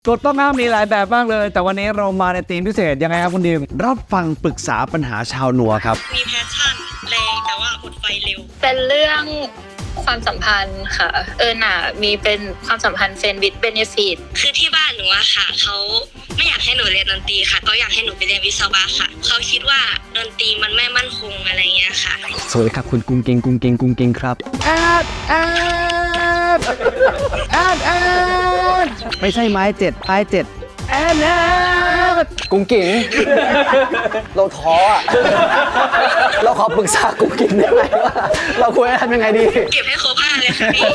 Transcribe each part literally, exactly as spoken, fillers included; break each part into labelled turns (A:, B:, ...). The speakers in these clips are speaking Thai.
A: กฎต้องห้ามมีหลายแบบมากเลยแต่วันนี้เรามาในธีมพิเศษยังไงครับคุณดิม
B: รับฟังปรึกษาปัญหาชาวนัวครับ
C: มีแพชชั่นแรงแต่ว่าหมดไฟเร็ว
D: เป็นเรื่องความสัมพันธ์ค่ะเออหน่ามีเป็นความสัมพันธ์เฟรนด์วิดเบเนฟิต
C: คือที่บ้านหนูอะค่ะเขาไม่อยากให้หนูเรียนดนตรีค่ะเขาอยากให้หนูไปเรียนวิศวะค่ะเขาคิดว่าดนตรีมันไม่มั่นคงอะไรเงี้ยค่ะ
A: สวัสดีครับคุณกุ้งเก่งกุ้งเก่งกุ้งเก่งครับแอดแอดแอดแอดไม่ใช่ไม้เจ็ดไม้เจ็ดแอดแอดกุ้งเก่งเราท้ออ่ะเราขอปรึกษากุ้งเก่งได้ไหมว่าเราควรทำยังไงดี
C: เก็บให้ครบห้าเลยค่ะพี่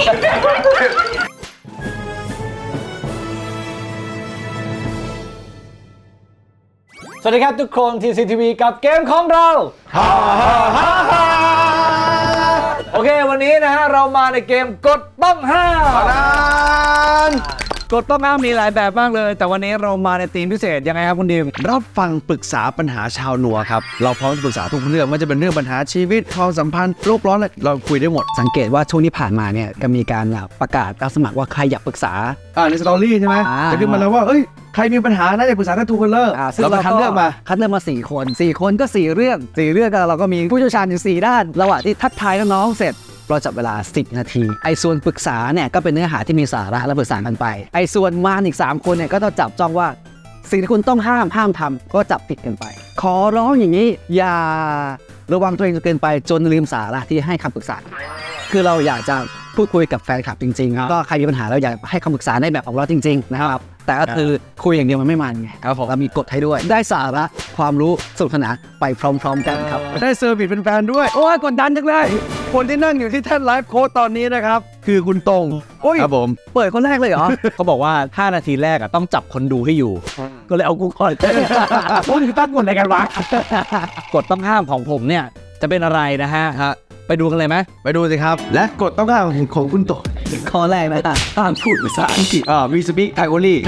A: สวัสดีครับทุกคน ที ซี ที วี กับเกมของเราฮ่าฮ่าฮ่าฮ่าโอเควันนี้นะฮะเรามาในเกมกฎต้องห้ามกฎต้องห้ามมีหลายแบบมากเลยแต่วันนี้เรามาในธีมพิเศษยังไงครับคุณดิม
B: รับฟังปรึกษาปัญหาชาวนัวครับเราพร้อมจะปรึกษาทุกเรื่องไม่ว่าจะเป็นเรื่องปัญหาชีวิตความสัมพันธ์โลกร้อนอะไรเราคุยได้หมด
E: สังเกตว่าช่วงที่ผ่านมาเนี่ยก็มีการประกาศรับสมัครว่าใครอยากปรึกษา
B: อ่าในสตอรี่ใช่ไหมจะขึ้นมาแล้วว่าเอ้ยใครมีปัญหาน่าจะปรึกษาได้ทูคัลเลอร์
E: เราคัดเลือกมาคัดเลือกมาสี่คนสี่คนก็สี่เรื่องสี่เรื่องก็เราก็มีผู้เชี่ยวชาญอยู่สี่ด้านระหว่างที่ทักทายน้องๆเสร็จเราจับเวลาสิบนาทีไอ้ส่วนปรึกษาเนี่ยก็เป็นเนื้อหาที่มีสาระและปรึกษากันไปไอ้ส่วนมารอีกสามคนเนี่ยก็ต้องจับจ้องว่าสิ่งที่คุณต้องห้ามห้ามทำก็จับผิดกันไปขอร้องอย่างนี้อย่าระวังตัวเองจนเกินไปจนลืมสาระที่ให้คำปรึกษาคือเราอยากจะพูดคุยกับแฟนคลับจริงๆก็ใครมีปัญหาเราอยากให้คำปรึกษาในแบบของเราจริงๆนะครับแต่ก็คือคุยอย่างเดียวมันไม่มันไงครับผมเรามีกฎให้ด้วยได้สาระความรู้สนุกสนานไปพร้อมๆกันครับ
A: ได้เซอร์วิสเป็นแฟนด้วยโอ้ยกดดันจังเลยคนที่นั่งอยู่ที่แท่นไลฟ์โค้ดตอนนี้นะครับคือคุณตรง
B: ครับผม
E: เปิดคนแรกเลยเหรอ
A: เขาบอกว่าห้านาทีแรกอ่ะต้องจับคนดูให้อยู่ก็เลยเอากูก่อนโอ้ยตั้งกฎอะไรกันวะกฎต้องห้ามของผมเนี่ยจะเป็นอะไรนะฮะไปดูกันเลยไหม
B: ไปดูสิครับและกฎต้องห้ามของคุณโต
E: ข้อแรกนะห้ามพูดภาษาอังกฤษ
B: อ่า we speak Thai only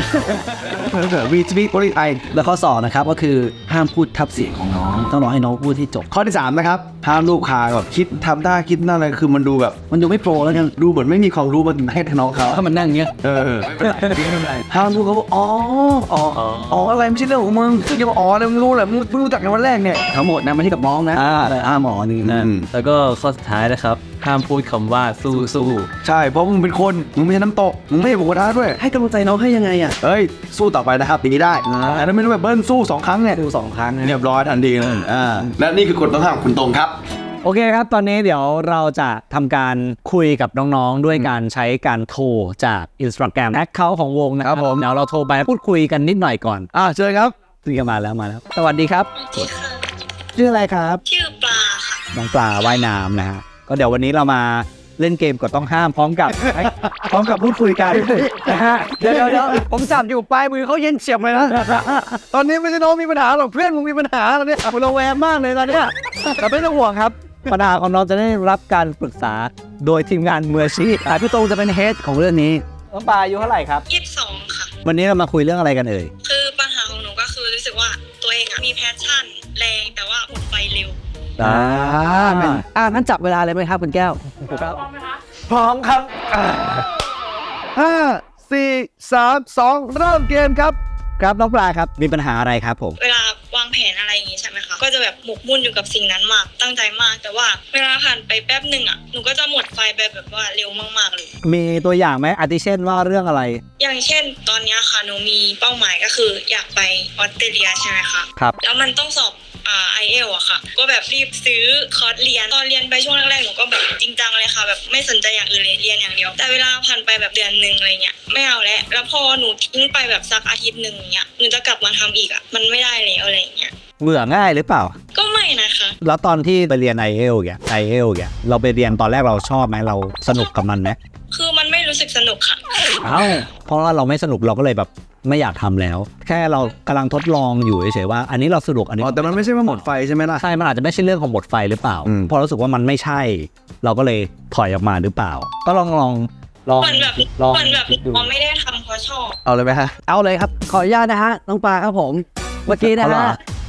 B: we speak only Thai
E: แล้วข้อสองนะครับก็คือห้ามพูดทับเสียงของน้องต้องรอให้น้องพูดที่จบ
B: ข้อที่สามนะครับห้ามลูกค้าแบบคิดทำได้คิดนั่นอะไรคือมันดูแบบ
E: มันดูไม่โปรแล้วกัน
B: ดูเหมือนไม่มีความรู้มาให้น้องเขา
E: ถ้ามันนั่งเงี้ย
B: เออห้ามลูกเขาบอกอ๋ออ๋ออ๋ออะไรไม่ใช่เรื่องของมึงจะมาอ๋ออะไรมึงรู้แหละมึงเพิ่งรู้จักในวันแรกเนี่ย
E: ทั้งหมดนะไม่ใช่กับน้องนะ
B: อ่า
E: อ่าหมอนี่นะ
F: แล้วก็ข้อสุดท้ายนะครับห้ามพูดคำว่าสู้สู้
B: ใช่เพราะมึงเป็นคนมึงไม่ใช่น้ำตกมึงไม่ใช่บุกท้าด้วย
E: ให้กำลังใจน้องให้ยังไงอ่ะ
B: เอ้ยสู้ต่อไปนะครับอย่างนี้ได้อันนั้นไม่รู้แบบเบิ้ลสู้สองครั้งเนี่ย
E: สู้สองครั้ง
B: เรียบร้อยทันทีเลยอ่าและนี่คือกฎต้องห้ามคุณตรงครับ
A: โอเคครับตอนนี้เดี๋ยวเราจะทำการคุยกับน้องๆด้วยการใช้การโทรจาก Instagram แอคเคาท์ของวงนะครับผมเดี๋ยวเราโทรไปพูดคุยกันนิดหน่อยก่อน
B: อ่าเชิญครับ
A: คุยกันมาแล้วมาแล้วสวัสดีครับ
C: ชื่อ
A: อะไรครับ
C: ชื่อปลาค่ะ
A: น้องปลาว่ายน้ำนะฮะก็เดี๋ยววันนี้เรามาเล่นเกมกฎต้องห้ามพร้อมกับพร้อมกับพูดคุยกันนะฮะเดี๋ยวเดี๋ยวผมจับอยู่ปลายมือเขาเย็นเฉียบเลยนะตอนนี้ไม่ใช่น้องมีปัญหาหรอกเพื่อนมึงมีปัญหาตอนนี้ผมระแวงมากเลยตอนนี้แต่ไม่ต้องห่วงครับปัญหาของน้องจะได้รับการปรึกษาโดยทีมงานมืออาชีพพี่ตรงจะเป็นเฮดของเรื่องนี้น้องปลาอายุเท่าไหร่ครับ
C: ยี่สิบสองค่ะ
A: วันนี้เรามาคุยเรื่องอะไรกันเอ่ย
C: คือปัญหาของหนูก็คือรู้สึกว่าตัวเองมีแพชชั่นแรงแต่ว่าหมดไฟเร็ว
A: อ่า
E: อ่างั้นจับเวลาเลยไหมครับคุณแก้ว
A: ครับพร้อมครับห้าสี่สามสองเริ่มเกมครับครับน้องปลาครับมีปัญหาอะไรครับผม
C: เวลาวางแผนอะไรอย่างงี้ใช่ไหมคะก็จะแบบหมกมุ่นอยู่กับสิ่งนั้นมากตั้งใจมากแต่ว่าเวลาผ่านไปแป๊บหนึ่งอ่ะหนูก็จะหมดไฟไปแบบว่าเร็วมากๆเลย
A: มีตัวอย่างไหมอาทิเช่นว่าเรื่องอะไร
C: อย่างเช่นตอนนี้ค่ะหนูมีเป้าหมายก็คืออยากไปออสเตรเลียใช่ไหมคะ
A: ครับ
C: แล้วมันต้องสอบอ่า ไอ เอล อะค่ะก็แบบรีบซื้อคอร์สเรียนตอนเรียนไปช่วงแรกๆหนูก็แบบจริงจังเลยค่ะแบบไม่สนใจอย่างอื่นเลยเรียนอย่างเดียวแต่เวลาผ่านไปแบบเดือนนึงอะไรเงี้ยไม่เอาแล้วแล้วพอหนูทิ้งไปแบบสักอาทิตย์นึงเงี้ยหนูจะกลับมาทำอีกอะมันไม่ได้แล้วอะไรเงี้ย
A: เบื่อง่ายหรือเปล่า
C: ก็ไม่นะคะ
A: แล้วตอนที่ไปเรียน ไอ เอล แก ไอ เอล แกเราไปเรียนตอนแรกเราชอบไหมเราสนุกกับมันไหม
C: คือมันไม่รู้สึกสนุกค่ะ
A: อ้าวเพราะว่าเราไม่สนุกเราก็เลยแบบไม่อยากทำแล้วแค่เรากำลังทดลองอยู่เฉยๆว่าอันนี้เราสนุกอันนี้
B: อ๋อแต่มันไม่ใช่ว่าหมดไฟใช่ไหมล่ะ
A: ใช่มันอาจจะไม่ใช่เรื่องของหมดไฟหรือเปล่าพอรู้สึกว่ามันไม่ใช่เราก็เลยถอยออกมาหรือเปล่าก็ลองลองลอง
C: มันแบบมันแบบมันไม่ได้ทำเพราะชอบ
B: เอาเลยไหมฮะ
E: เอาเลยครับขออนุญาตนะฮะน้องปลาครับผมเมื่อกี้นะฮะ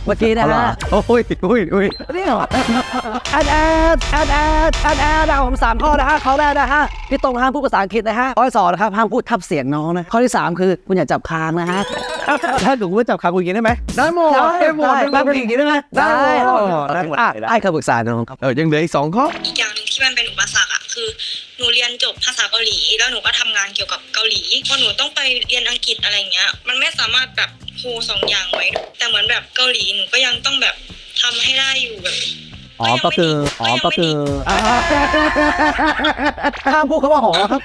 E: มื่อกี้นะฮะ
A: โอ้ยโอ้ยโอ้ย
E: นี่เหรอแอดแอดแอดแอดแอดแอดเอาผมสามข้อนะฮะข้อแรกนะฮะพี่ตรงห้ามพูดภาษาอังกฤษนะฮะข้อที่สองนะครับห้ามพูดทับเสียงน้องนะข้อที่สามคือคุณอย่าจับคางนะฮะ
A: ถ้าหนูว่าจับคางกูอย่างนี้ได้ไหม
B: ได้หมดได้หมด
E: ได้
B: ได้หมด
E: อีกได้ไหมได้อ่ะไอ้คำปรึกษาน้องครับ
B: เออยังเหลืออีกสองข้อ
C: อีกอย่างหนึงที่มันเป็นอุปสรรคอะคือหนูเรียนจบภาษาเกาหลีแล้วหนูก็ทำงานเกี่ยวกับเกาหลีพอหนูต้องไปเรียนอังกฤษอะไรเงี้ยมันไม่สามารถแบบโฮสองอย่างไว้แต่เหมือนแบบเกาหลีหนูก็ยังต้องแบบทำให้ได้อยู่แบบ
A: อ๋อก็คืออ๋อก็คือห้ามพูดคำว่าหอครับ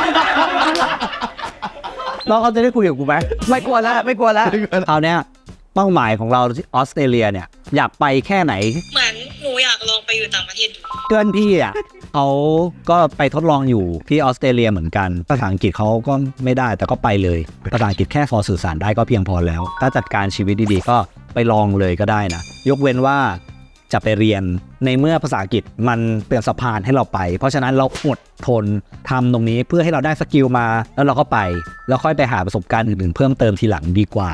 A: น้องเขาจะได้คุยกับกูไหม
E: ไม่กลัวแล้วไม่กลัวแล้ว
A: คราวเนี้ยเป้าหมายของเราที่ออสเตรเลียเนี่ยอยากไปแค่ไหน
C: เหมือนหนูอยากลองไปอยู่ต่างประเทศดู
A: เพื่อนพี่อ่ะเขาก็ไปทดลองอยู่ที่ออสเตรเลียเหมือนกันภาษาอังกฤษเขาก็ไม่ได้แต่ก็ไปเลยภาษาอังกฤษแค่พอสื่อสารได้ก็เพียงพอแล้ว ถ้าจัดการชีวิตดีๆก็ไปลองเลยก็ได้นะยกเว้นว่าจะไปเรียนในเมื่อภาษาอังกฤษมันเป็นสะพานให้เราไปเพราะฉะนั้นเราอดทนทำตรงนี้เพื่อให้เราได้สกิลมาแล้วเราก็ไปแล้วค่อยไปหาประสบการณ์อื่นๆเพิ่มเติมทีหลังดีกว่า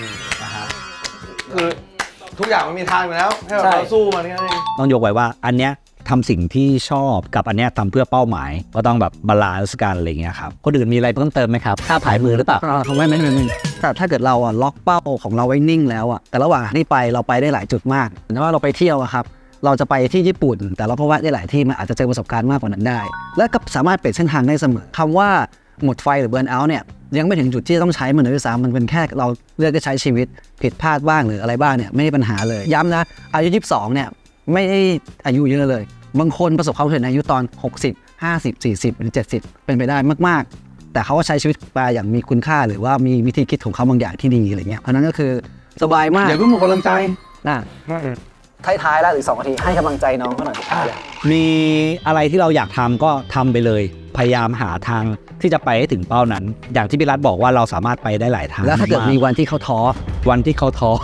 B: คือทุกอย่างมันมีทางอยู่แล้วให้
A: ใช่
B: เราสู้มันแค่นั้นเอง
A: ต้องยกไว้ว่าอันเนี้ยทำสิ่งที่ชอบกับอันเนี้ยทำเพื่อเป้าหมายก็ต้องแบบบาลานซ์กันอะไรเงี้ยครับคนอื่นมีอะไรเพิ่มเติมไหมครับค่าผายมือหรือเปล่า
E: อ่าไม่ไม่ไม่ไม่แต่ถ้าเกิดเราอ่ะล็อกเป้าของเราไว้นิ่งแล้วอ่ะแต่ระหว่างที่ไปเราไปได้หลายจุดมากแต่ว่าเราไปเที่ยวอะครับเราจะไปที่ญี่ปุ่น แต่เราก็แวะได้หลายที่มันอาจจะเจอประสบการณ์มากกว่านั้นได้ และก็สามารถเปลี่ยนเส้นทางได้เสมอคำว่าหมดไฟหรือเบิร์นเอาท์เนี่ยยังไม่ถึงจุดที่ต้องใช้มันเลยด้วยซ้ำมันเป็นแค่เราเลือกจะใช้ชีวิตผิดพลาดบ้างหรืออะไรบ้างเนี่ยไม่ได้ปัญหาเลยย้ำนะอายุยี่สิบสองเนี่ยไม่ได้อายุเยอะเลยบางคนประสบความสำเร็จในอายุตอนหกสิบ ห้าสิบ สี่สิบหรือเจ็ดสิบเป็นไปได้มากๆแต่เขาก็ใช้ชีวิตไปอย่างมีคุณค่าหรือว่ามีวิธีคิดของเขาบางอย่างที่ดีอะไรเงี้ยเพราะนั้นก็คือสบายมาก
B: อย่าเพิ่งหมดกำลังใจ
E: นะท้ายๆแล้วหรือสองนาทีให้กำลังใจน้องเขาหน่อย
A: มีอะไรที่เราอยากทำก็ทำไปเลยพยายามหาทางที่จะไปให้ถึงเป้านั้น อย่างที่พี่รัฐบอกว่าเราสามารถไปได้หลายทาง
E: แล้วถ้าเกิดมีวันที่เขาท้อ
A: วันที่เขาท้อ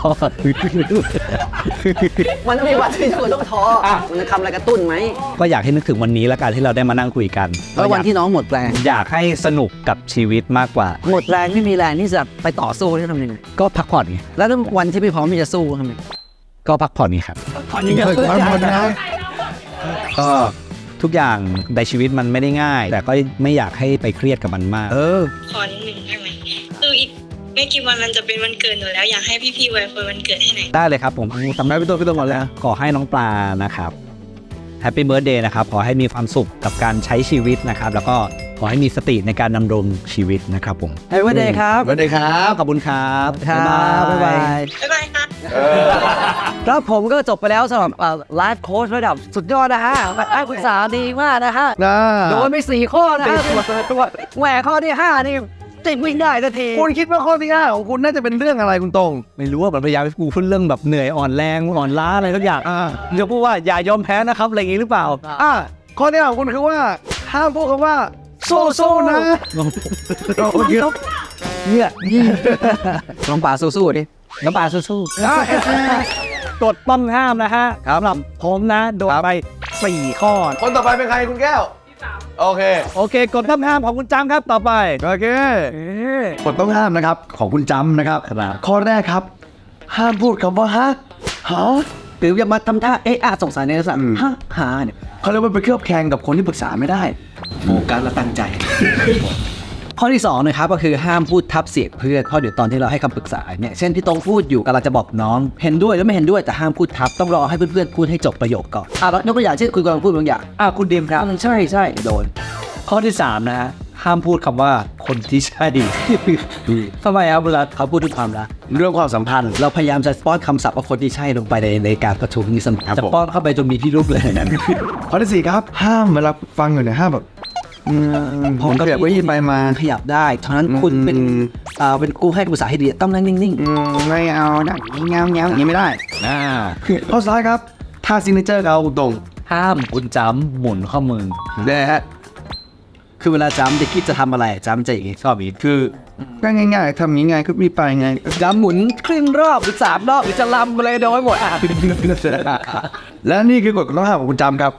E: มันมีวันที่คุณต้องท้อมันจะทำอะไรกระตุ้นไหม
A: ก็อยากให้นึกถึงวันนี้แล้วกันที่เราได้มานั่งคุยกัน
E: แล้ววันที่น้องหมดแรง
A: อยากให้สนุกกับชีวิตมากกว่า
E: หมดแรงไม่มีแรงที่จะไปต่อสู้ที่ทำยังไง
A: ก็พักผ่อนไง
E: แล้ววันที่ไม่พร้อมที่จะสู้ทำยังไง
A: ก็พักผ่อนไงครับ
E: ผ่อนนี่ก็
B: พักผ่อนนะ
A: ก็ทุกอย่างในชีวิตมันไม่ได้ง่าย แต่ก็ไม่อยากให้ไปเครียดกับมันมาก
E: เออ
C: ขอนิดหนึ่งได้ไหมคืออีกไม่กี่วันมันจะเป็นวันเกิดหนูแล้วอยากให้พี่ๆไว้พรวันเกิดให้หน่อย
A: ได้เลยครับผม
B: ทำได้พี่ตัวพี่ตัวหมดแล้ว
A: ขอให้น้องปลานะครับแฮปปี้เบิร์ธเดย์นะครับขอให้มีความสุขกับการใช้ชีวิตนะครับแล้วก็ขอให้มีสติในการดำรงชีวิตนะครับผม
E: ให้วันเดย์ครับ
B: สวัสดีครับ
A: ขอบคุณครับ
E: ครับบ๊ายบาย
C: บ๊ายบายค่ะ
E: แล้วผมก็จบไปแล้วสำหรับไลฟ์โค้ชระดับสุดยอดนะฮะให้ปรึกษาดีมากนะฮะ
B: นะ
E: โดนไปสี่ข้อนะฮะแหวกข้อที่ห้านี่ติดวิ่งได้ทันที
B: คุณคิดว่าข้อที่ห้าของคุณน่าจะเป็นเรื่องอะไรคุณตรง
A: ไม่รู้ว่ามันพยายามให้กูพูดเรื่องแบบเหนื่อยอ่อนแรงอ่อนล้าอะไรทุกอย่าง
B: อ่า
A: จะพูดว่าอย่ายอมแพ้นะครับอะไรอย่างนี้หรือเปล่า
B: อ่ะข้อที่ห้าของคุณคือว่าห้ามพูดคำว่าสู้ๆนะ โอเค
E: เนี่ยลองป่าสู้ๆดิ
A: น้ำปลาสู้ๆกดต้องห้ามนะฮะสำหรับผมนะโดนไปสี่ข้อ
B: คนต่อไปเป็นใครคุณแก้วโอเค
A: โอเคกดต้องห้ามของคุณจำครับต่อไป
B: โอเคกฎต้องห้ามนะครับของคุณจำนะครับ
A: ครับ
B: ข้อแรกครับ ห้ามพูดคำว่าฮะหา
E: หรืออย่ามาทำท่าเอ๊ะอาสงสัยในลักษณะ
B: อืม
E: ฮะหาเนี่ย
B: เขาเรียกว่าไปเคลือบแคลงกับคนที่ปรึกษาไม่ได้โฟกัสและตั้งใจ
E: ข้อที่สองนะครับก็คือห้ามพูดทับเสียงเพื่อนข้อเดี๋ยวตอนที่เราให้คำปรึกษาเนี่ยเช่นพี่ตรงพูดอยู่กำลังจะบอกน้องเห็นด้วยหรือไม่เห็นด้วยแต่ห้ามพูดทับต้องรอให้เพื่อนๆพูดให้จบประโยคก่อนอ่ะแล้วยกตัวอย่างเช่นคุณกำลังพูดบางอย่างอ่ะคุณดิมครับใช่ใช่โดน
A: ข้อที่สามนะฮะห้ามพูดคำว่าคนที่ใช่ ทำไมครับเวลาเขาพูดถึงความรัก
B: เรื่องความสัมพันธ์
E: เราพยายามจะป้อนคำศัพท์ว่าคนที่ใช่ลงไปในในการประชุมนี้เสมอ
B: ครับ
A: จะ
B: ผม
A: ป้อนเข้าไปจนมีพิรุธเลยนะ
B: ข้อที่สี่ครับ ห้ามเวลาฟังอยู่เนี่ยห้ามแบบอืมผมขยับไว้ที่ไปมา
E: ขยับได้ฉะนั้นคุณเป็น
B: อืม
E: อ่าเป็นกูให้คำปรึกษาให้ดีต้องนั่งนิ่ง
B: อืมไม่เอาดังเงาเงาอย่างนี้ไม่ได้
A: อ่า
B: ข้อสุดท้ายครับท่าซิงเกิลเราตรง
A: ห้ามคุณจำหมุนข้อมือ
B: นะฮะ
E: ๆคือเวลาจำจะคิดจะทำอะไรจำจะอย่างงี้
A: ชอบอีก
B: คือก็ง่ายๆทำยังไงก็มีไปไง
E: จำหมุนครึ่งรอบหรือสามรอบหรือจะลำอะไรโดยหมดอ่ะ
B: และนี่คือกฎข้อห้ามของคุณจำครับ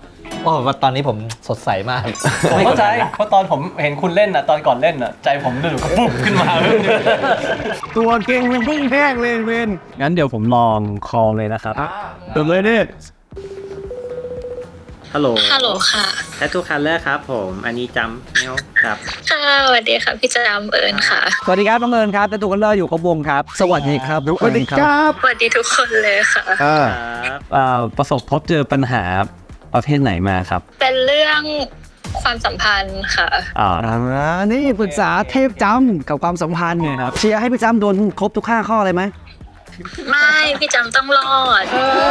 A: โอ้ตอนนี้ผมสดใสมาก
F: ผมเข้าใจเพราะตอนผมเห็นคุณเล่นอ่ะตอนก่อนเล่นอ่ะใจผมดูก็ปุ๊บขึ้นมา
B: ตัวเก่งมันพุ่งแห้งเลยเวน
F: งั้นเดี๋ยวผมลองคอลเลยนะครับ
B: เติมเลยนี่
G: ฮัลโหล
D: ฮัลโหลค่ะ
G: แททูคัลเลอร์ครับผม อันนี้จำแมวครับ
D: ค่ะสวัสดีค่ะพี่จำเอิญค่ะ
E: สวัสดีครับน้องเอิญครับแต่ตัวกันเลอร์อยู่กับวงครับ สวัสดีครับ
B: สวัสดีครับ
D: สวัสดีทุกคนเลยค่ะ
B: อ่า
G: ครับ
F: เอ่อประสบพบเจอปัญหาประเภทไหนมาครับ
D: เป็นเรื่องความสัมพันธ์ค่ะ
F: อ่า
E: อ่านี่ปรึกษาเทพจำกับความสัมพันธ์เนี่ยครับเชียร์ให้พี่จำโดนครบทุกห้าข้อเลยไหม
D: ไม่พี่จำต้องรอด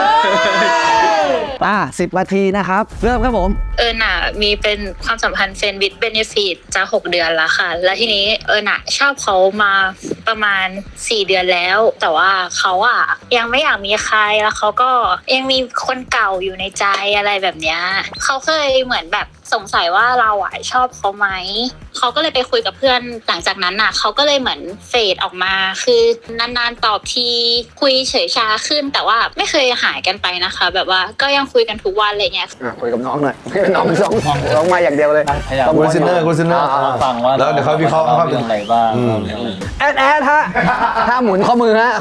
E: อ่าสิบนาทีนะครับ เริ่มครับผม
D: เอิญน่ะมีเป็นความสัมพันธ์เฟรนด์วิดเบเนฟิตจะหกเดือนแล้วค่ะ แล้วทีนี้เอิญน่ะชอบเขามาประมาณสี่เดือนแล้ว แต่ว่าเขาอ่ะยังไม่อยากมีใครแล้วเขาก็ยังมีคนเก่าอยู่ในใจอะไรแบบเนี้ยเขาเคยเหมือนแบบสงสัยว่าเราอ่ะชอบเขาไหมเขาก็เลยไปคุยกับเพื่อนหลังจากนั้นน่ะเขาก็เลยเหมือนเฟดออกมา คือนานๆตอบทีคุยเฉยชาขึ้น แต่ว่าไม่เคยหายกันไปนะคะ แบบว่าก็ยังคุยกันทุกวันอะไรเงี้ย
E: คุยกับน้องหน่อยน้องสองน้องมาอย่างเดียวเลย
F: พยายาม
B: คุณซินเนอร์คุณซินเนอร์
F: ฟังว่า
B: แล้วเดี๋ยวเขาวิเคราะห์เขา
F: เรื่องอะไรบ้าง
E: แอดแอดฮะถ้าหมุนข้อมือฮะ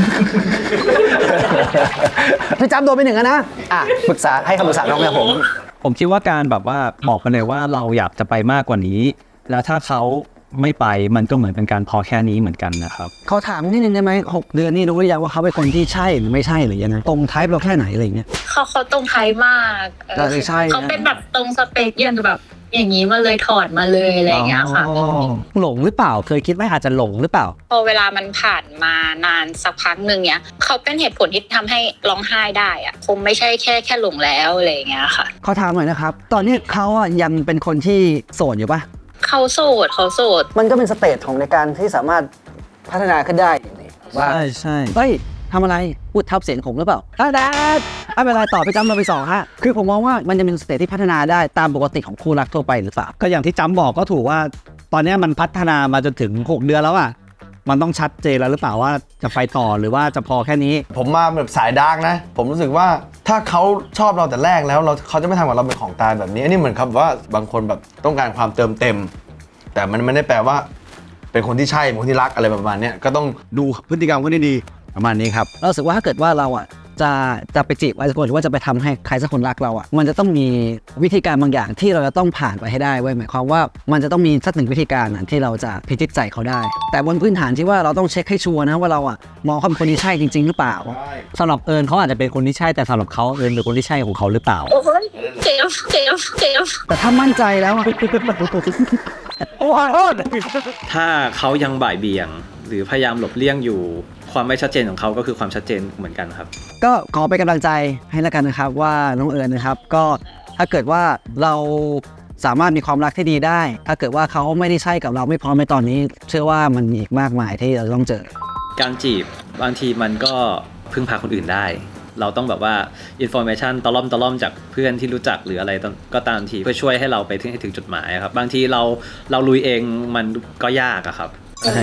E: พี่จำโดนไปหนึ่งแล้วนะอ่ะปรึกษาให้คำปรึกษาน้องแม่ผม
F: ผมคิดว่าการแบบว่าบอกไปเลยว่าเราอยากจะไปมากกว่านี้ แล้วถ้าเขาไม่ไปมันก็เหมือนเป็นการพอแค่นี้เหมือนกันนะครับ
E: เขาถามนิดนึงได้ไหมหกเดือนนี่รู้หรือยังว่าเขาเป็นคนที่ใช่หรือไม่ใช่หรือยังไงตรงไทป์เราแค่ไหนอะไรอย่างเงี้ย
D: เขาเขาตรงไทยมากเออ
E: น่าจะใช่นะ
D: เขาเป็นแบบตรงสเปคอย่างแบบ อย่างนี้มาเลยถอดมาเลยอะไรอย่างเงี้ยค่ะ
E: อ๋อหลงหรือเปล่าเคยคิดไหมอาจจะหลงหรือเปล่า
D: พอเวลามันผ่านมานานสักพักหนึ่งเนี้ยเขาเป็นเหตุผลที่ทำให้ร้องไห้ได้อะคงไม่ใช่แค่แค่หลงแล้วอะไรอย่างเงี้ยค่ะ
E: เขาถามหน่อยนะครับ ตอนนี้เขาอ่ะยังเป็นคนที่โสดอยู่ปะ
D: เขาโสดเขาโสด
E: มันก็เป็นสเตจของในการที่สามารถพัฒนาขึ้นได้ว่า
F: ใช่ใช่
E: เฮ้ยทำอะไรพูดทับเสียงผมหรือเปล่าอ่ะแดดไม่เป็นไรต่อไปจำเราไปสองฮะคือผมมองว่ามันจะเป็นสเตจที่พัฒนาได้ตามปกติของคู่รักทั่วไปหรือเปล่า
A: ก็อย่างที่จำบอกก็ถูกว่า ตอนนี้มันพัฒนามาจนถึงหกเดือนแล้วอ่ะมันต้องชัดเจนแล้วหรือเปล่าว่าจะไปต่อหรือว่าจะพอแค่นี้
B: ผมมาแบบสายดาร์กนะ ผมรู้สึกว่าถ้าเขาชอบเราแต่แรกแล้วเราเขาจะไม่ทำกับเราเป็นของตายแบบนี้อันนี้เหมือนครับว่าบางคนแบบต้องการความเติมเต็ม แต่มันไม่ได้แปลว่า เป็นคนที่ใช่เป็นคนที่รักอะไรประมาณเนี้ยก็ต้องดูพฤติกรรมเขาดีๆประมาณนี้ครับ
E: เรารู้สึกว่าถ้าเกิดว่าเราอ่ะจะจะไปจีบใครสักคนหรือว่าจะไปทำให้ใครสักคนรักเราอ่ะมันจะต้องมีวิธีการบางอย่างที่เราจะต้องผ่านไปให้ได้เว้ยหมายความว่ามันจะต้องมีสักหนึ่งวิธีการนะที่เราจะพิจิตใจเขาได้ แต่บนพื้นฐานที่ว่าเราต้องเช็คให้ชัวร์นะว่าเราอ่ะมองเขาเป็นคนที่ใช่จริง ๆ หรือเปล่า
F: สำหรับเอิญเขาอาจจะเป็นคนที่ใช่แต่สำหรับเขาเอิญเป็นคนที่ใช่ของเขาหรือเปล่า
D: โอ้ยเจ็บเจ็บเจ็บ
E: แต่ถ้ามั่นใจแล้วอะ โอ้โห
G: ถ้าเขายังบ่ายเบี่ยง หรือพยายามหลบเลี่ยงอยู่ ความไม่ชัดเจนของเขาก็คือความชัดเจนเหมือนกันครับ
E: ก็ขอเป็นกำลังใจให้แล้วกันนะครับว่าน้องเอิญนะครับ ก็ถ้าเกิดว่าเราสามารถมีความรักที่ดีได้ ถ้าเกิดว่าเขาไม่ได้ใช่กับเราไม่พร้อมในตอนนี้ เชื่อว่ามันมีอีกมากมายที่เราต้องเจอ
G: การจีบบางทีมันก็พึ่งพาคนอื่นได้ เราต้องแบบว่าอินโฟเมชันตะล่อมตะล่อมจากเพื่อนที่รู้จักหรืออะไรก็ตามทีเพื่อช่วยให้เราไปถึงให้ถึงจุดหมายครับบางทีเราเราลุยเองมันก็ยากอะครับ
D: ค่ะ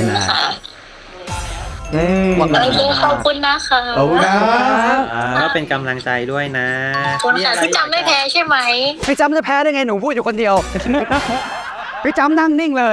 D: โอเคขอบคุณนะคะ
B: ขอบคุณครับ
G: ก็เป็นกำลังใจด้วยนะ
D: ขอบคุณค่ะพี่จำไม่แพ้ใช่ไหม
E: พี่จำจะแพ้ได้ไงหนูพูดอยู่คนเดียว พี่จำนั่งนิ่งเลย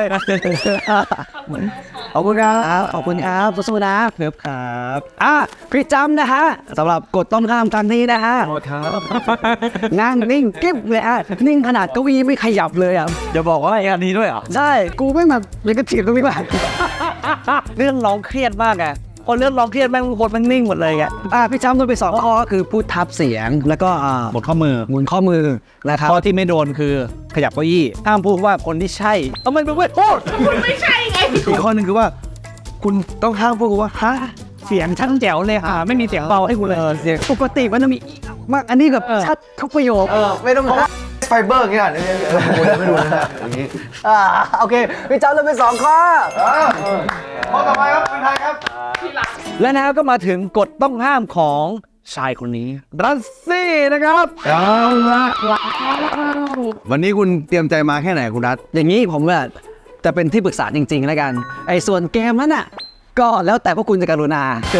E: ขอบคุณครับขอบคุณครับสู้ๆนะ
F: เพิบครับ
E: อ่ะพี่จำนะฮะสำหรับกดต้นข้ามครั้งนี้นะฮะ
F: โทษครับ
E: นั่งนิ่งกิ๊บเลยอ่ะนิ่งขนาดเก้าอี้ไม่ขยับเลยอ่ะ
F: จะบอกว่าอย่างนี้ด้วยเหรอ
E: ใช่กูไม่แบบเลยก็ถีบตรงนี้ ว่ะ เรื่องร้องเครียดมากอ่ะพอเรื่องร้องเครียดแม่งคนมันนิ่งหมดเลยอ่ะอ่ะพี่จำโดนไปสองข้อก็คือพูดทับเสียงแล้วก็อ่า
A: หมดข้อมือ
E: หมุนข้อมือนะครับ
A: ข้อที่ไม่โดนคือขยับเก้าอี้ห้ามพูดว่าคนที่ใช่เอามันไปเว้ยโทษ
B: อีกข้อหนึ่งคือว่า คุณต้องห้ามพูดว่าฮะ
E: เสียงชัดแจ๋วเลยค่ะไม่มีเสียงเบาให้กูเลยเสียงปกติมันจะมีมากอันนี้แบบชัดทุกประโยค
B: ไม่ต้องไฟเบอร์อย่างเงี้ยเออไม่รู้นะอย่างนี้
E: อ่าโอเคพี่จำโดนไปสองข้อ
B: ข้อต่อไปครับคุณไทยครับ
A: และแล้วก็มาถึงกฎต้องห้ามของชายคนนี้รัสซี่นะครับ
B: เอาละวันนี้คุณเตรียมใจมาแค่ไหนคุณรัฐ
E: อย่างนี้ผมว่าจะเป็นที่ปรึกษาจริงๆแล้วกันไอ้ส่วนเกมนั้นน่ะก็แล้วแต่พวกคุณจะกรุณา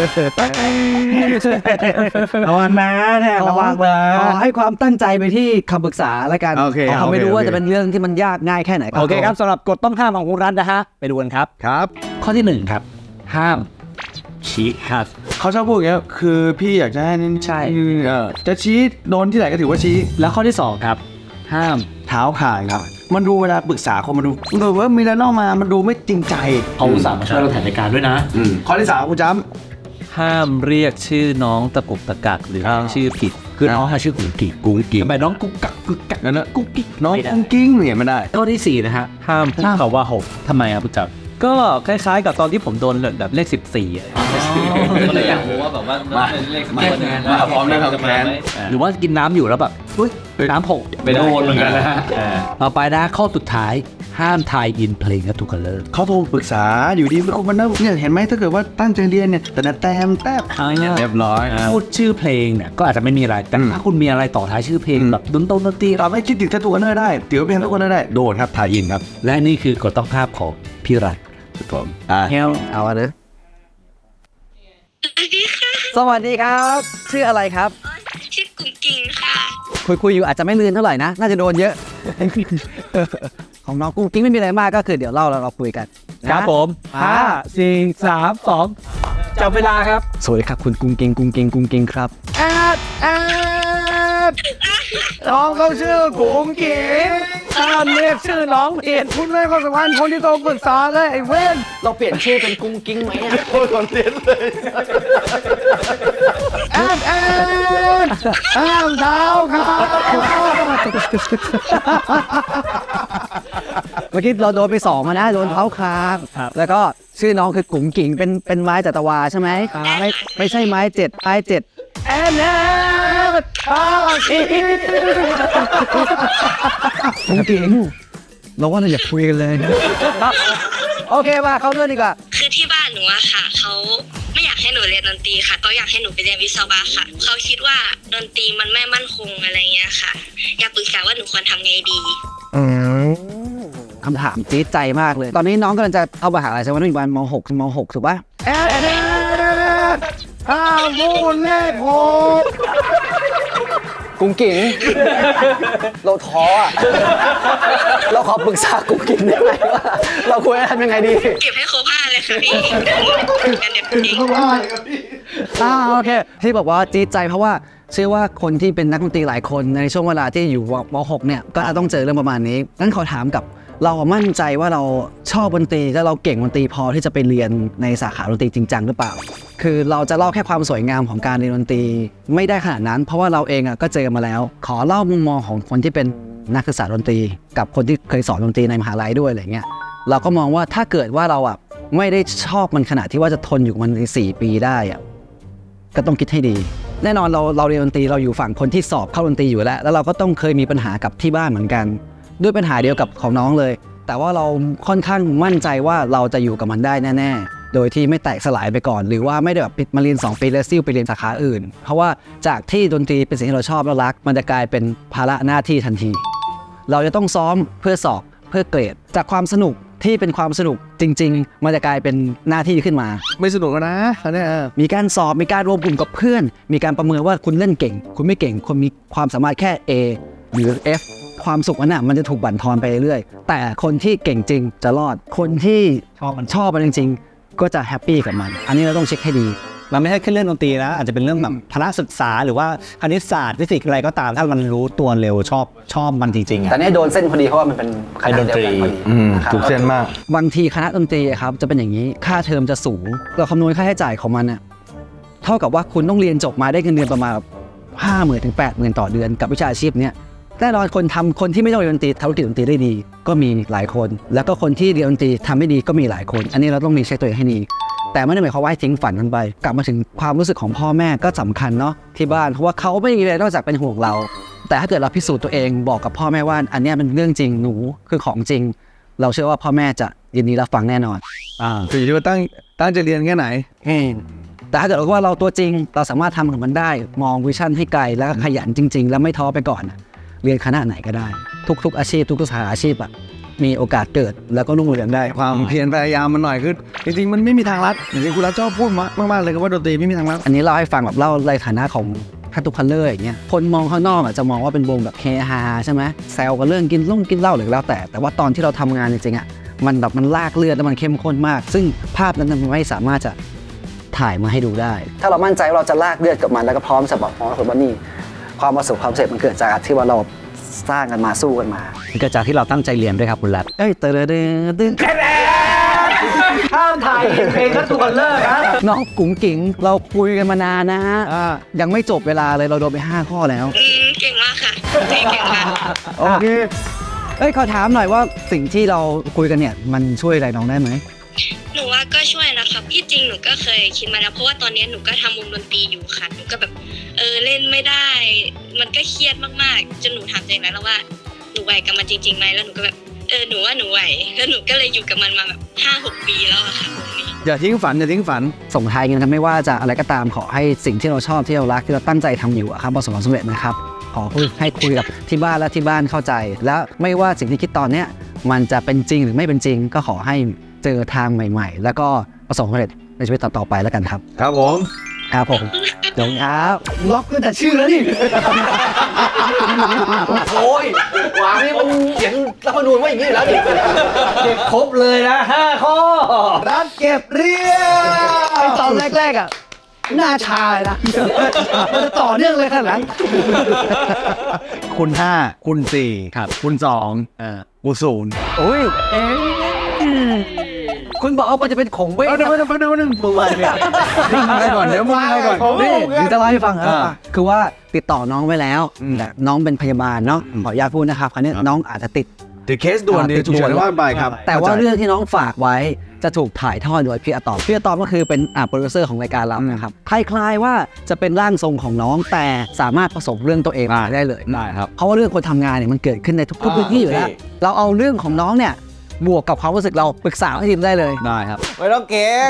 A: ระวังนะเนี่ยระวังนะ
E: ขอให้ความตั้งใจไปที่คำปรึกษาแล้วกัน
A: โอเค
E: เขาไม่รู้
A: โอเค
E: ว่า
A: โอเค
E: จะเป็นเรื่องที่มันยากง่ายแค่ไหน
A: โอเคครับสำหรับกฎต้องห้ามของคุณรัฐนะฮะไปดูกันครับ
B: ครับ
E: ข้อที่หนึ่งครับ ห้ามชี้ครับ
B: เขาชอบพูดอย่างเงี้ยคือพี่อยากจะให้นี่
E: ใช่
B: เออจะชี้โดนที่ไหนก็ถือว่าชี้
E: แล้วข้อที่สองครับ ห้าม
B: เท้าข่ายครับ มันดูเวลาปรึกษาคนมันดูมันดูว่ามีอะไรนอกมามันดูไม่จริงใจ
F: เขาอุตส่าห์มาช่วยเราถ่ายรายการด้วยนะ
B: อืมข้อที่สามคุณจ้
G: ห้ามเรียกชื่อน้องตะกุกตะกักหรือเรียกชื่อผิด
E: คือน้องหาชื่อกุ๊กกิ๊กกุ๊กกิ๊ก
B: ำทำไมน้องกุ๊กกักกุ๊กกักนั่นนะกุ๊กกิ๊กน้องกุ๊กกิ้งเนี่ยไม่ได้
E: ข้อที่สี่นะฮะ
G: ห้ามพูดคำว่าหกทำไมครับผู้จัดก็คล้ายๆกับตอนที่ผมโดนแบบเลขสิบสี่อ่ะก็เลยอยากรู้ว่าแบบว่าเลขสิบสี่
B: มาพร้อมนะครับแฟน
E: หรือว่ากินน้ำอยู่แล้วแบบอุ๊ยน้ำหก
G: ไปโดนเหมือนกันนะฮะ
E: ต่อไปนะข้อสุดท้ายห้ามทายอินเพลงและทุกคัลเลอร์
B: เขาโทรปรึกษาอยู่ดีเอามันนะเนี่ยเห็นไหมถ้าเกิดว่าตั้งใจเรียนเนี่ยแต่แต้มแต้ม
E: เอาง่ายๆ
B: เรียบร้อย
E: พูดชื่อเพลงเนี่ยก็อาจจะไม่มีอะไรแต่
B: อืม
E: ถ้าคุณมีอะไรต่อท้ายชื่อเพลง
B: อืม
E: แบบดนตรีดนตรี
B: เราไม่คิดถึงแค่ตัวกันเนอร์ได้เตี๋ยวเพลงทุกคนได้โดนครับถ่ายอินครับ
E: และนี่คือกฎต้องภาพของพี่รัฐ
B: ผมอ่า
E: เฮลเอาอะเนอะ
C: สวัสดีค่ะ
E: สวัสดีครับ ชื่ออะไรครับ
C: ชื่อกุ้งกิ่งค่ะ
E: คุยคุยๆอยู่อาจจะไม่ลืนเท่าไหร่นะ น่าจะโดนเยอะ ของน้องกุ้งกิ้งไม่มีอะไรมากก็คือเดี๋ยวเล่าแล้วเราคุยกัน
A: ครับ
E: นะ
A: ผมห้าสี่สามสองจับเวลาครับ
E: สวัสดีครับคุณกุ้งกิ้งกุ้งกิ้งกุ้งกิ้งครับ
A: แอดแอดน้องเขาชื่อกุ้งกิ๊งถ้าเรียกชื่อน้องเปลี่ยนคุณไม่ความสัมพันธ์คนที่โตปรึกษาเลยไอ้เว้น
E: เราเปลี่ยนชื่อเป็นกุ้งกิ้งไหมอะ
B: โคตรคอนเทนต์เลย
A: แอดแอดห้ามเท้าครับ
E: เมื่อกี้เราโดนไปสองมานะโดนเท้าคางแล้วก็ชื่อน้องคือกุ้งกิ้งเป็นเป็นไม้จัตวาใช่ไหมไม่ไม่ใช่ไม้เจ็ดไม้เจ็ด
A: แอดแอดห้าสี่
E: กุ้งกิ้งเราว่าเราอย่าคุยกันเลยนะโอเคมาเข้าเรื่องดีกว่า
C: คือที่บ้านหนูอะค่ะเขาไม่อยากให้หนูเรียนดนตรีค่ะเขาอยากให้หนูไปเรียนวิศวะค่ะเขาคิดว่าดนตรีมันไม่มั่นคงอะไรเงี้ยค่ะ อยากปรึกษาว่าหนูควรทำไงดี
E: คำถามจี๊ดใจมากเลย ตอนนี้น้องกำลังจะเข้ามหาลัยใช่ไหมน้องอยู่ประมาณม .หก ม .หก ถูกปะ
A: แอดแอดห้ามพูดเลขหก
E: กุ้งกิ่ง เราท้ออ่ะ เราขอปรึกษากุ้งกิ่งได้ไหมว่าเราควรจะทำยังไงดี
C: เก็บให้ครบห้าเลยค่ะพี่กันเด็กจริง
E: อ่าโอเค ที่บอกว่าจี๊ดใจเพราะว่าเชื่อว่าคนที่เป็นนักดนตรีหลายคนในช่วงเวลาที่อยู่ม .หก เนี่ยก็อาจต้องเจอเรื่องประมาณนี้งั้นขอถามกับเรามั่นใจว่าเราชอบดนตรีและเราเก่งดนตรีพอที่จะไปเรียนในสาขาดนตรีจริงจังหรือเปล่า คือเราจะเล่าแค่ความสวยงามของการเรียนดนตรีไม่ได้ขนาดนั้น เพราะว่าเราเองอ่ะก็เจอมาแล้ว ขอเล่ามุมมองของคนที่เป็นนักศึกษาดนตรี กับคนที่เคยสอนดนตรีในมหาลัยด้วยอะไรเงี้ยเราก็มองว่าถ้าเกิดว่าเราอ่ะไม่ได้ชอบมันขนาดที่ว่าจะทนอยู่กับมันในสี่ปีได้อ่ะก็ต้องคิดให้ดี แน่นอนเราเราเรียนดนตรีเราอยู่ฝั่งคนที่สอบเข้าดนตรีอยู่แล้วแล้วเราก็ต้องเคยมีปัญหากับที่บ้านเหมือนกัน ด้วยปัญหาเดียวกับของน้องเลย แต่ว่าเราค่อนข้างมั่นใจว่าเราจะอยู่กับมันได้แน่ๆโดยที่ไม่แตกสลายไปก่อน หรือว่าไม่ได้แบบปิดมาเรียนสองปีแล้วซิ่วไปเรียนสาขาอื่น เพราะว่าจากที่ดนตรีเป็นสิ่งที่เราชอบและรักมันจะกลายเป็นภาระหน้าที่ทันที เราจะต้องซ้อมเพื่อสอบเพื่อเกรดจากความสนุกที่เป็นความสนุกจริงๆมันจะกลายเป็นหน้าที่ขึ้นมา
B: ไม่สนุกแล้วนะอันเนี้ย
E: มีการสอบ มีการรวมกลุ่มกับเพื่อน มีการประเมินว่าคุณเล่นเก่ง คุณไม่เก่ง คุณมีความสามารถแค่ A หรือ F ความสุขนั้นน่ะมันจะถูกบั่นทอนไปเรื่อยๆ แต่คนที่เก่งจริงจะรอด คนที่ชอบมันชอบมันจริงๆ ก็จะแฮปปี้กับมัน อันนี้เราต้องเช็คให้ดี
A: มันไม่ใช่แค่เรื่องดนตรีนะอาจจะเป็นเรื่องแบบพละศึกษาหรือว่าคณิตศาสตร์ฟิสิกส์อะไรก็ตามถ้ามันรู้ตัวเร็วชอบชอบมันจริงๆอ่ะ
E: แต่นี่โดนเส้นพอดีเพราะว่ามันเป็นคณะเดียวกันพอดี
B: อืม
E: นะครับ
B: ถูกเส้นมาก
E: บางทีคณะดนตรีอะครับจะเป็นอย่างนี้ค่าเทอมจะสูงเราคำนวณค่าใช้จ่ายของมันเนี่ยเท่ากับว่าคุณต้องเรียนจบมาได้เงินเดือนประมาณห้าหมื่นถึงแปดหมื่นต่อเดือนกับวิชาชีพเนี้ยแน่นอนคนทำคนที่ไม่ต้องเรียนดนตรีทำธุรกิจดนตรีได้ดี ก็มีหลายคน แล้วก็คนที่เรียนดนตรีทำไม่ดีก็มีหลายคน อันนี้เราต้องมีเช็คตัวเองให้ดีแต่ไม่ได้หมายความว่าให้ทิ้งฝันมันไปกลับมาถึงความรู้สึกของพ่อแม่ก็สำคัญเนาะที่บ้านเพราะว่าเขาไม่มีอะไรนอกจากเป็นห่วงเรา แต่ถ้าเกิดเราพิสูจน์ตัวเองบอกกับพ่อแม่ว่าอันเนี้ยเป็นเรื่องจริงหนูคือของจริง เราเชื่อว่าพ่อแม่จะยินดีรับฟังแน่นอน
A: อ่า
B: คืออยู่ที่ว่าตั้งตั้งใจเรียนแค่ไหน
E: แต่ถ้าเกิดว่าเราตัวจริงเราสามารถทำกับมันได้มองวิชั่นให้ไกลแล้วก็ขยันจริง ๆ แล้วไม่ท้อไปก่อน เรียนคณะไหนก็ได้ ทุกๆอาชีพทุกๆสาขาอาชีพอะมีโอกาสเกิดแล้วก็รุ่งเรืองได้
A: ความเพียรพยายามมันหน่อยคือจริงๆมันไม่มีทางลัดอย่างที่คุณรัฐชอบพูดมากๆเลยว่าดนตรีไม่มีทางลัด
E: อันนี้เล่าให้ฟังแบบเล่าในฐานะของทัตตุคัลเลอร์อย่างเงี้ยคนมองข้างนอกอ่ะจะมองว่าเป็นวงแบบเฮฮาใช่ไหมแซวกันเรื่องกินล่งกินเหล้าหรือแล้วแต่แต่ว่าตอนที่เราทำงานจริงๆอ่ะมันแบบมันลากเลือดแล้วมันเข้มข้นมาก ซึ่งภาพนั้นมันไม่สามารถจะถ่ายมาให้ดูได้ ถ้าเรามั่นใจว่าเราจะลากเลือดกับมันแล้วก็พร้อมสำหรับพร้อมกับว่านี่ความประสบความสำเร็จมันเกิดจากที่ว่าเราสร้างกันมาสู้กันมา
F: เกิดจากที่เราตั้งใจเรียนด้วยครับคุณรัฐ
E: เอ้ยเตอร์เดอตึ้งข้ามถ่ายเพลงทัตตุคัลเลอร์นะน้องกุ๋งกิ๋งเราคุยกันมานานนะฮะยังไม่จบเวลาเลยเราโดนไปห้าข้อแล้ว
C: อืมเก่งมากค่ะเก่งมาก
A: โอเค
E: เอ้ยขอถามหน่อยว่าสิ่งที่เราคุยกันเนี่ยมันช่วยอะไรน้องได้ไหม
C: หนูว่าก็ช่วยนะคะที่จริงหนูก็เคยคิดมาแล้วเพราะว่าตอนนี้หนูก็ทำวงดนตรีอยู่ค่ะหนูก็แบบเออเล่นไม่ได้ มันก็เครียดมากๆจนหนูถามตัวเองแล้วว่าหนูไหวกับมันจริงๆไหมแล้วหนูก็แบบเออหนูว่าหนูไหวแล้วหนูก็เลยอยู่กับมันมาแบบห้าหกปีแล้วอะค่ะวงนี้
A: อย่าทิ้งฝันอย่าทิ้งฝัน
E: ส่งท้ายกันครับไม่ว่าจะอะไรก็ตามขอให้สิ่งที่เราชอบที่เรารักที่เราตั้งใจทำอยู่อะครับประสบความสำเร็จนะครับขอให้คุยกับที่บ้านและที่บ้านเข้าใจ และไม่ว่าสิ่งที่คิดตอนเนี้ยมันจะเป็นจริงหรือไม่เป็นจริง ก็ขอให้เจอทางใหม่ๆ แล้วก็ประสบความสำเร็จในชีวิตต่อๆไปแล้วกันครับ
A: ครับผม
E: ครับผมเดี๋ยวครับล็อกตั้งแต่ชื่อแล้วนี่
A: โอ้ยหวางนี่มันเขียนรัฐธรรมนูญว่าอย่างนี้แล้วดิเก็บครบเลยนะห้าข้อรัฐเก็บเรียบ
E: ไอตอนแรกๆอ่ะหน้าชาเลยนะมันจะต่อเนื่องเลยขนาดนั้น
A: คุณห้าคุณสี่ครับคุณสองเอ่อกูศูนย์
E: โอ้ยเอ๊ะคุณบอกว่ามันจะเป็นของเว้ย
A: เอาเดี๋ยวเดี๋ยวเดี๋ยวเดี๋ยวมึงมาเนี่ยมึงมาก่อนเดี๋ยวมึงมาก่อน
E: นี่เดี๋ยวจะเล่าให้ฟังครับ
A: อ่า
E: คือว่าติดต่อน้องไว้แล้วแต่น้องเป็นพยาบาลเนาะขออนุญาตพูดนะครับคราวนี้น้องอาจจะติด
A: ติดเคสด่วน
E: อ่า
A: ดิ
E: ติด
A: ฉุกเฉิน
E: ด่วน
A: ว่าไปครับ
E: แต่ว่าเรื่องที่น้องฝากไว้จะถูกถ่ายทอดโดยพี่อะตอมพี่อะตอมก็คือเป็นอ่าโปรดิวเซอร์ของรายการเรานะครับคล้ายๆว่าจะเป็นร่างทรงของน้องแต่สามารถผสมเรื่องตัวเองมาได้เลย
A: ได้ครับ
E: เพราะว่าเรื่องคนทำงานเนี่ยมันเกิดขึ้นในทุกๆพื้นที่อยู่แล้วเราเอาเรื่องของน้องเนี่ยบวกกับความรู้สึกเราปรึกษาให้ทีมได้เลย
A: ได้ครับ
B: ไม่ต้องเก่ง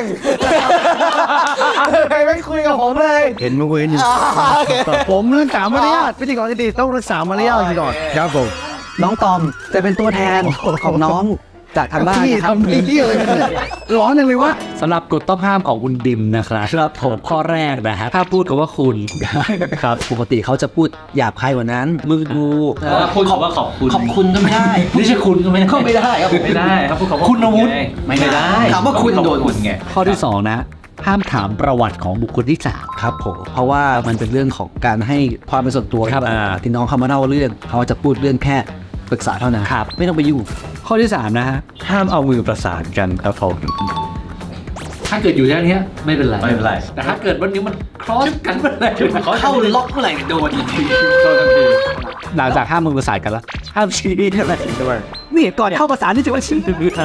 A: ใครไม่คุยกับผมเลย เห็นมาคุยกันอยู่ผมรักษามารยาทพิธีกรที่ดีต้องรักษามารยาทก่อนครับผม
E: น้องตอมจะเป็นตัวแทนของน้องจากทางบ้าน
A: พี่
E: นะครับ
A: ทำพี่อะไรกันเนี่ยร้อนจังเลยวะ
F: สำหรับกฎต้องห้ามของคุณดิมนะครับครับผมข้อแรกนะฮะถ้าพูดกับว่าคุณ ครับปกติเขาจะพูดหยาบคายกว่านั้นมึงกู
G: พูดคำว่าขอบคุณ
F: ขอบคุณก็ไม่ได้ไม่ใช่คุณก็ไม่ได้
E: ก็ไม่ได้ครับผม
G: ไม่ได้ครับพูดคำว่า
F: คุณอาวุธ
G: ไง
F: ไม่ได้
E: ถามว่าคุณโดน
G: คุณไง
F: ข้อที่สองนะ ห้ามถามประวัติของบุคคลที่สาม
E: ครับผมเพราะว่ามันเป็นเรื่องของการให้ความเป็นส่วนตัว
F: ครับ
E: อ่าที่น้องเขามาเล่าเรื่องเขาจะพูดเรื่องแค่ปรึกษาเท่านั้น
F: ครับ
E: ไม่ต้องไปยุ่ง
F: ข้อที่สามนะฮะห้ามเอามือประสานกันครับผมถ้าเกิดอยู่แค่นี้ไม่เป็นไร
G: ไม่เป็นไร
F: แต่ถ้าเกิดวันนี้มันครอสกันเมื่อไหร่
E: เข้าล็อกเมื่อไหร่โดน
F: หลังจากห้ามมือประสานกันแล้วห้ามชี้ใช่ไหมด้วย
E: นี่ก่อนเข้าภาษานี่ถือว่าชี้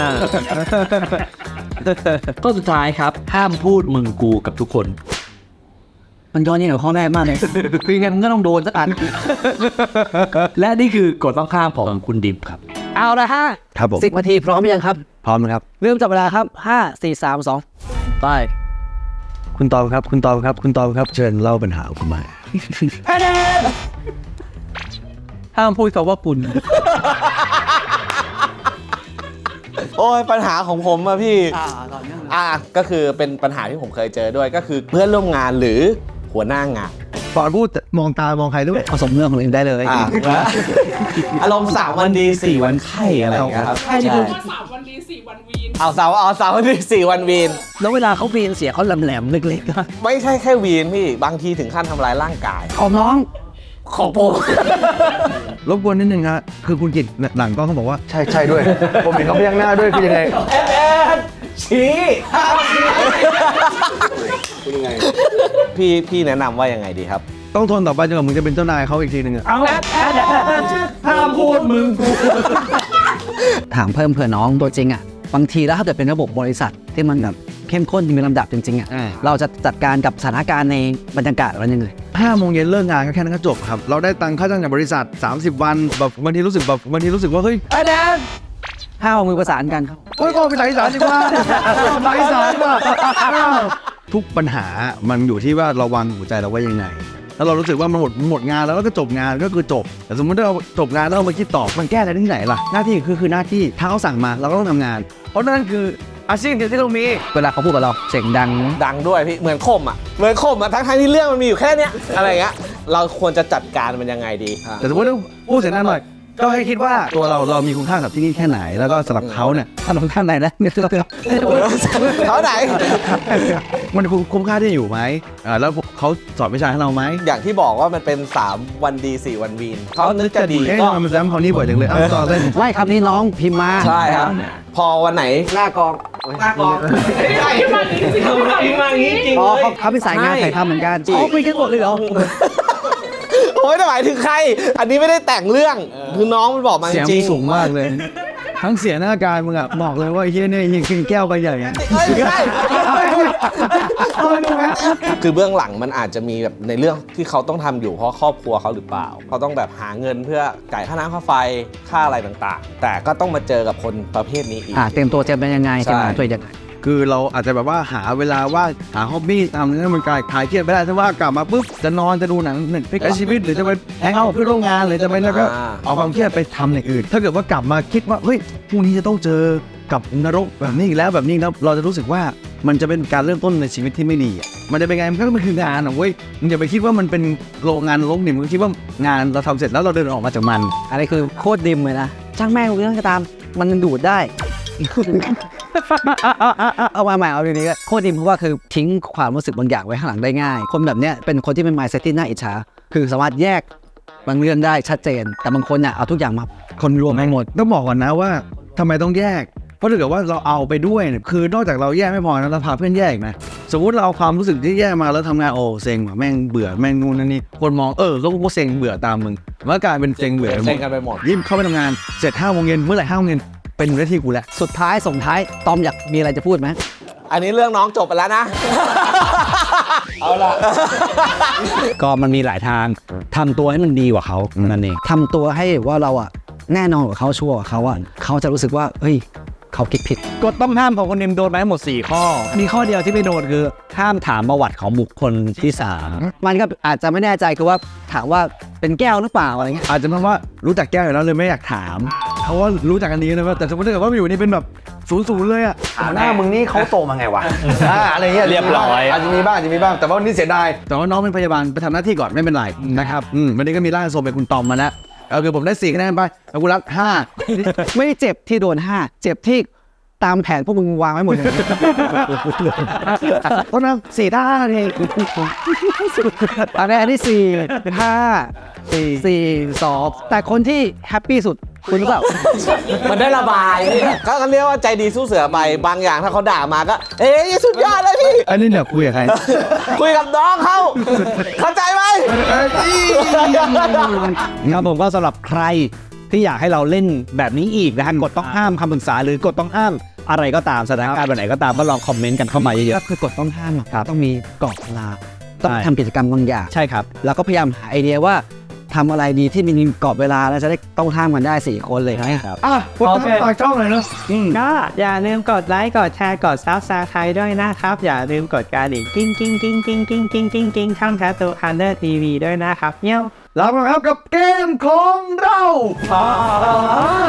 F: ข้อสุดท้ายครับ ห้ามพูดมึงกูกับทุกคน
E: มันย้อนแย้งกับข้อแรกมากเลยคือไงมันก็ต้องโดนสักอัน
F: และนี่คือกฎต้องห้ามของคุณดิมครับ
E: เอาละฮะ
A: ครับผม
E: สิบนาทีพร้อมหรือยังครับ
A: พร้อมนะครับ
E: เริ่มจับเวลาครับห้าสี่สามสองไป
A: คุณตอบครับ คุณตอบครับ คุณตอบครับ เชิญเล่าปัญหาของคุณมา
F: ห้ามพูดคำว่าคุณ
H: โอ้ยปัญหาของผมอะพี่
E: อ่าตอนนี้
H: อ่ะก็คือเป็นปัญหาที่ผมเคยเจอด้วยก็คือเพื่อนร่วมงานหรือหัวหน้างาน
A: ก่อนพูดมองตามองใครด้วย
E: ผสมเรื่องของเราเองได้เลย
H: อ่ะอารมณ์สามวันดีสี่วันไข้อะไรอย่างเงี้ยครับใช่
I: สามวันดีสี่วันวีน
H: เอาสามเอาสามวันดีสี่วันวีน
E: แล้วเวลาเขาวีนเสียเขาแหลมๆเล็กๆนะ
H: ไม่ใช่แค่วีนพี่บางทีถึงขั้นทำร้ายร่างกาย
E: ของน้อง
H: ของผม
A: รบกวนนิดนึงฮะคือคุณกิตหลังกล้องเขาบอกว่า ใช่ใช่ด้วย ผมเห็นเขาพยักหน้าด้วยคือยังไง
H: ชี้พี่พี่แนะนำว่ายังไงดีครับ
A: ต้องทนต่อไปจนกว่ามึงจะเป็นเจ้านายเขาอีกทีหนึ่งอะ
F: เอาห้ามพูดมึงกู
E: ถามเพิ่มเผื่อน้องตัวจริงอ่ะบางทีแล้วถ้าเกิดเป็นระบบบริษัทที่มันแบบเข้มข้นมีลำดับจริงๆอ่ะเราจะจัดการกับสถานการณ์ในบรรยากาศอะไรยังไง
A: ห้าโมงเย็นเลิกงานก็แค่นั้นก็จบครับ เราได้ตังค่าจ้างจากบริษัท สามสิบ วันแบบบางทีรู้สึกแบบบางทีรู้สึกว่าเฮ้ย
E: ไอ้แดนห้าเอามือประสานกัน
A: โอ้ยก็ไปสายอีสานดีกว่าสายอีสานดีกว่าทุกปัญหามันอยู่ที่ว่าเราวางหัวใจเราไว้ยังไงแล้วเรารู้สึกว่ามันหมดหมดงานแล้วก็จบงานก็คือจบแต่สมมติถ้าเราจบงานแล้วเรามาคิดต่อมันแก้อะไรที่ไหนล่ะหน้าที่คือคือหน้าที่ถ้าเขาสั่งมาเราก็ต้องทำงาน เพราะนั่นคืออาชีพเดียวที่เรามี
E: เวลาเขาพูดกับเราเสียงดัง
H: ดังด้วยพี่เหมือนคมอ่ะเหมือนคมอ่ะทั้งทั้งๆที่เรื่องมันมีอยู่แค่เนี้ยอะไรเงี้ยเราควรจะจัดการมันยังไงดีอ่ะ
A: แต่สมมติว่าพูดเสียงดังหน่อยก็ให้คิดว่าตัวเราเรามีคุณค่ากับที่นี่แค่ไหนแล้วก็สำหรับเขาเนี่ย
E: ท่านของท่านไหนนะเนี่ยเตือน
H: เขาไหน
A: มันคุ้มค่าที่อยู่ไหมอ่าแล้วเขาสอนวิชาให้เราไหม
H: อย่างที่บอกว่ามันเป็นสามวันดีสี่วันวีนเขานึกจะดี
A: เอ๊ะ
H: ก็
A: ทำไมมันซ้ำคำนี้บ่อยจังเลยอ้าวต่อเล่น
E: ไม่ครับนี่น้องพิมพ์มา
H: ใช่ครับพอวันไหนหน้ากองหน้ากองใช่มาจริงจริงมาอย่างนี้จริง
E: อ๋อ
H: เลย
E: เขาเขาเป็นสายงานถ่ายทำเหมือนกัน
H: จริง
E: อ๋อคุยกันหมดเลยเหรอ
H: โอ้ยแต่หมายถึงใคร อันนี้ไม่ได้แต่งเรื่องคือน้องมันบอกมาจ
A: เสียง
H: ริ
A: มึ
H: ง
A: งสูงมากเลย ทั้งเสียหน้าการมึงอะบอกเลยว่าไอ้เฮียเนี่ยยิงแก้วไปใหญ่อะ
H: เฮ้ยไม่ใช่คือเบื้องหลังมันอาจจะมีแบบในเรื่องที่เขาต้องทำอยู่เพราะครอบครัวเขาหรือเปล่าเขาต้องแบบหาเงินเพื่อจ่ายค่าน้ำค่าไฟค่าอะไรต่างๆ แต่ก็ต้องมาเจอกับคนประเภทนี้อีก
E: อ่าเตรียมตัวจะเป็นยังไง
H: ใช่
E: เตรียมตัวยังไง
A: คือเราอาจจะแบบว่าหาเวลาว่างหาฮ็อบบี้ทำให้มันกลายคลายเครียดไม่ได้ถ้าว่ากลับมาปุ๊บจะนอนจะดูหนังหนึ่งใช้ชีวิตหรือจะไปแฮงเอาท์กับเพื่อนร่วมงานหรือจะไปแล้วก็เอาความเครียดไปทำอย่างอื่น ถ้าเกิดว่ากลับมาคิดว่าเฮ้ยพรุ่งนี้จะต้องเจอกับนรกแบบนี้อีกแล้วแบบนี้แล้วเราจะรู้สึกว่ามันจะเป็นการเริ่มต้นในชีวิตที่ไม่ดีอะมันจะเป็นไงมันก็มันคืองานอะเว้ยมึงอย่าไปคิดว่ามันเป็นโรงงานนรกนี่มึงคิดว่างานเราทำเสร็จแล้วเราเดินออกมาจากมัน
E: อันนี้คือโคตรดิมเลยนะช่างแม่งเรื่องก็ตามมันดูดได้ เอามาใหม่เอาทีนี้ก็โคตรดิมเพราะว่าคือทิ้งความรู้สึกบางอย่างไว้ข้างหลังได้ง่าย คนแบบเนี้ยเป็นคนที่เป็น mindset ที่น่าอิจฉาคือสามารถแยกบางเรื่องได้ชัดเจน แต่บางคนเนี่ยเอาทุกอย่างมาคนรวมให้หมด
A: ต้องบอกก่อนนะว่าทำไมต้องแยก เพราะถ้าเกิดว่าเราเอาไปด้วยเนี่ยคือนอกจากเราแยกไม่พอนะเราพาเพื่อนแยกนะสมมุติเราเอาความรู้สึกที่แยกมาแล้วทำงานโอ้เซ็งว่ะแม่งเบื่อแม่งนู่นนั่นนี่คนมองเออแล้วก็เซ็งเบื่อตามมึงมันก็กลายเป็นเซ็งเบื่อ
H: เซ็งกันไปหมด
A: ยิ้มเข้าไปทำงานเสร็จห้าโมงเย็นเมื่อไหร่ห้าโมงเย็นเป็นหน้าที่กูแล้ว
E: สุดท้ายส่งท้ายตอมอยากมีอะไรจะพูดไหม
H: อันนี้เรื่องน้องจบไปแล้วนะ เอาล่ะ
E: ก็มันมีหลายทางทำตัวให้มันดีกว่าเขานั่นเองทำตัวให้ว่าเราอะแน่นอนกว่าเขาชัวร์กว่าเขาอะเขาจะรู้สึกว่าเฮ้ยเขาคิดผิด
F: กฎต้องห้ามของคนนิมโดนมาทั้งหมดสี่ข้อ มีข้อเดียวที่ไม่โดนคือห้ามถามประวัติของบุคคลที่สาม
E: มันก็อาจจะไม่แน่ใจคือว่าถามว่าเป็นแก้วหรือเปล่าอะไรเงี้ย
A: อาจจะเพราะว่ารู้จักแก้วอยู่แล้วเลยไม่อยากถามเขาว่ารู้จักกันดีนะว่าแต่สมมติถ้าเกิดว่าอยู่นี่เป็นแบบศูนย์ศูนย์เลยอะหน้ามึงนี่เขาโตมาไงวะอ่าอะไรเงี้ย
F: เรียบร้อย
A: อาจจะมีบ้างอาจจะมีบ้างแต่ว่านี่เสียดายแต่ว่าน้องเป็นพยาบาลไปทำหน้าที่ก่อนไม่เป็นไรนะครับอืมวันนี้ก็มีร่างทรงเป็นคุณตอมมาแล้วเอาคือผมได้สี่คะแนนไปแล้วกูรับห้า
E: ไม่ได้เจ็บที่โดนห้าเจ็บที่ตามแผนพวกมึงวางไว้หมดเลย
A: เพราะนั้นสี่ท่าเอง
E: อันนี้อันที่สี่ห้าสี่สี่สองแต่คนที่แฮปปี้สุดคุณหรือเปล่า
H: มันได้ระบายก็เรียกว่าใจดีสู้เสือไปบางอย่างถ้าเขาด่ามาก็ เอ้ยสุดยอดเลยพี่
A: อันนี้เนี่ยคุยกับใคร
H: คุยกับน้องเขาเข้าใจไหม
F: ครับผมก็สำหรับใครที่อยากให้เราเล่นแบบนี้อีกนะฮะกฎต้องห้ามคำปรึกษาหรือกฎต้องห้ามอะไรก็ตามสถานการณ์แบบไหนก็ตามก็ลองคอมเมนต์กันเข้ามาเย
E: ก็
F: อะ
E: คือกฎต้องห้ามอะ
F: ครับ
E: ต้องมีกรอบเวลาต้อง
F: ใช่
E: ทำกิจกรรมบางอย่าง
F: ๆใช่ครับ
E: แล้วก็พยายามหาไอเดียว่าทำอะไรดีที่มีกรอบเวลาแล้วจะได้ต้องห้ามกันได้สี่คนเลยนะครับ
A: อ่ะกดติดตามช่องเลยเนาะ
J: ก็อย่าลืมกดไลค์ กดแชร์ กดซับสไครต์ด้วยนะครับ อย่าลืมกดกระดิ่งกิ้งกิ้งกิ้งกิ้งกิ้งกิ้งกิ้งกิ้งช่องแคทตูคันเดอร์ทีวีด้วยนะครับเนี้ย
A: แล้วครับกับเกมของเรา